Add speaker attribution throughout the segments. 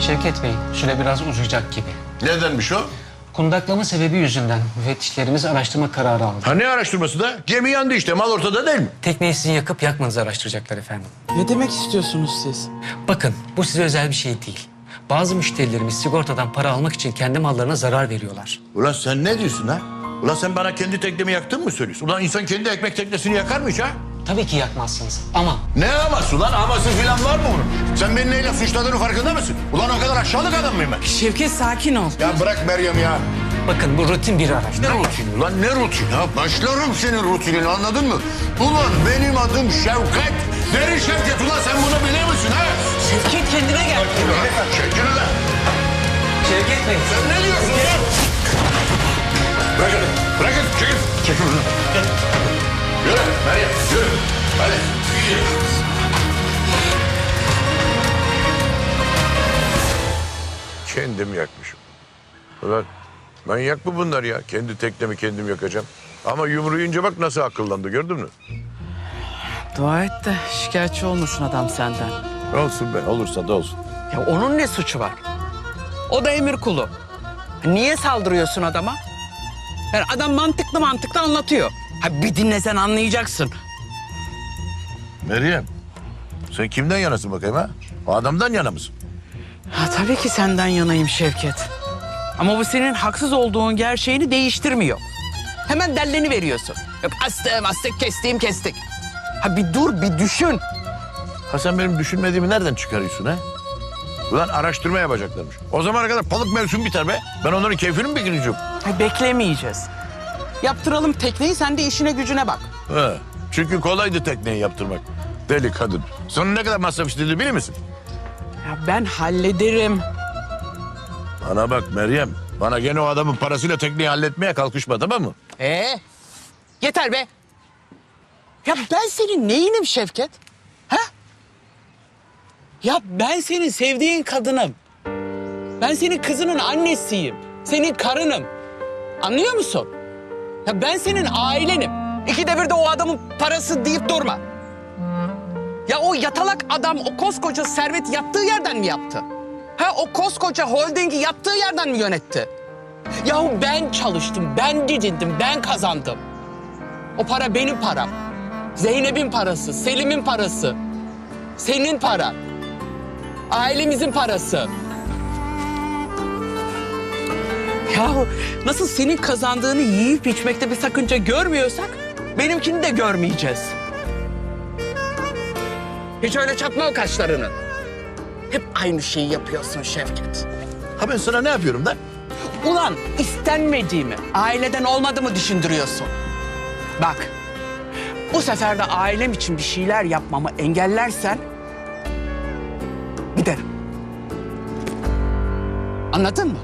Speaker 1: Şevket Bey, süre biraz uzayacak gibi.
Speaker 2: Nedenmiş o?
Speaker 1: Kundaklama sebebi yüzünden müfettişlerimiz araştırma kararı aldı.
Speaker 2: Ha ne araştırması da? Gemi yandı işte, mal ortada değil mi?
Speaker 1: Tekneyi sizin yakıp yakmanızı araştıracaklar efendim.
Speaker 3: Ne demek istiyorsunuz siz?
Speaker 1: Bakın, bu size özel bir şey değil. Bazı müşterilerimiz sigortadan para almak için kendi mallarına zarar veriyorlar.
Speaker 2: Ulan sen ne diyorsun ha? Ulan sen bana kendi teknemi yaktın mı söylüyorsun? Ulan insan kendi ekmek teknesini yakar mı hiç ha?
Speaker 1: Tabii ki yakmazsınız ama
Speaker 2: Ne aması ulan? Aması falan var mı bunun? Sen beni neyle suçladığını farkında mısın? Ulan o kadar aşağılık adam mıyım ben?
Speaker 3: Şevket sakin ol.
Speaker 2: Ya bırak Meryem ya.
Speaker 1: bakın bu rutin bir araştırma.
Speaker 2: Ne rutini ulan, ne rutini ha? Başlarım senin rutinini, anladın mı? Ulan benim adım Şevket. Derin Şevket, ulan sen bunu biliyor musun ha?
Speaker 3: Şevket kendine gel.
Speaker 2: Çekil ulan.
Speaker 1: Şevket Bey.
Speaker 2: Sen ne diyorsun ya? Bırakın, bırakın. Çekil. Çekil ulan. Yürü Meryem, yürü. Hadi. Kendim yakmışım. Ulan manyak mı bunlar ya? Kendi teknemi kendim yakacağım. Ama yumruğu yiyince bak nasıl akıllandı, gördün mü?
Speaker 3: Dua et de şikayetçi olmasın adam senden.
Speaker 2: Olsun be, olursa da olsun.
Speaker 3: Ya onun ne suçu var? O da emir kulu. Niye saldırıyorsun adama? Yani adam mantıklı anlatıyor. Ha bir dinlesen anlayacaksın.
Speaker 2: Meryem, sen kimden yanasın bakayım ha? O adamdan yana mısın?
Speaker 3: Ha tabii ki senden yanayım Şevket. Ama bu senin haksız olduğun gerçeğini değiştirmiyor. Hemen delleni veriyorsun. Yok astık, kestik. Ha bir dur, bir düşün.
Speaker 2: Ha sen benim düşünmediğimi nereden çıkarıyorsun ha? Ulan araştırma yapacaklarmış. O zamana kadar balık mevsimi biter be. Ben onların keyfini mi bekleyeceğim?
Speaker 3: Ha, beklemeyeceğiz. Yaptıralım tekneyi, sen de işine gücüne bak.
Speaker 2: Ha, çünkü kolaydı tekneyi yaptırmak. Deli kadın. Sonra ne kadar masraf istediğini bilir misin?
Speaker 3: Ya ben hallederim.
Speaker 2: Bana bak Meryem. Bana gene o adamın parasıyla tekneyi halletmeye kalkışma, tamam mı?
Speaker 3: Yeter be. Ya ben senin neyinim Şevket? Ha? Ya ben senin sevdiğin kadınım. Ben senin kızının annesiyim. Senin karınım. Anlıyor musun? Ya ben senin ailenim. İkide bir de o adamın parası deyip durma. Ya o yatalak adam o koskoca servet yattığı yerden mi yaptı? Ha o koskoca holdingi yattığı yerden mi yönetti? Yahu ben çalıştım, ben didindim, ben kazandım. O para benim param. Zeynep'in parası, Selim'in parası. Senin paran. Ailemizin parası. Yahu nasıl senin kazandığını yiyip içmekte bir sakınca görmüyorsak benimkini de görmeyeceğiz. Hiç öyle çatma o kaşlarını. Hep aynı şeyi yapıyorsun Şevket.
Speaker 2: Ha ben sana ne yapıyorum da?
Speaker 3: Ulan istenmediğimi, aileden olmadığımı düşündürüyorsun. Bak, bu sefer de ailem için bir şeyler yapmamı engellersen giderim. Anladın mı?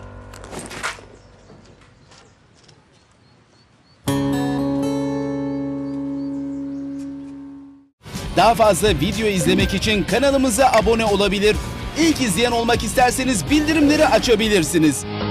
Speaker 4: Daha fazla video izlemek için kanalımıza abone olabilir. İlk izleyen olmak isterseniz bildirimleri açabilirsiniz.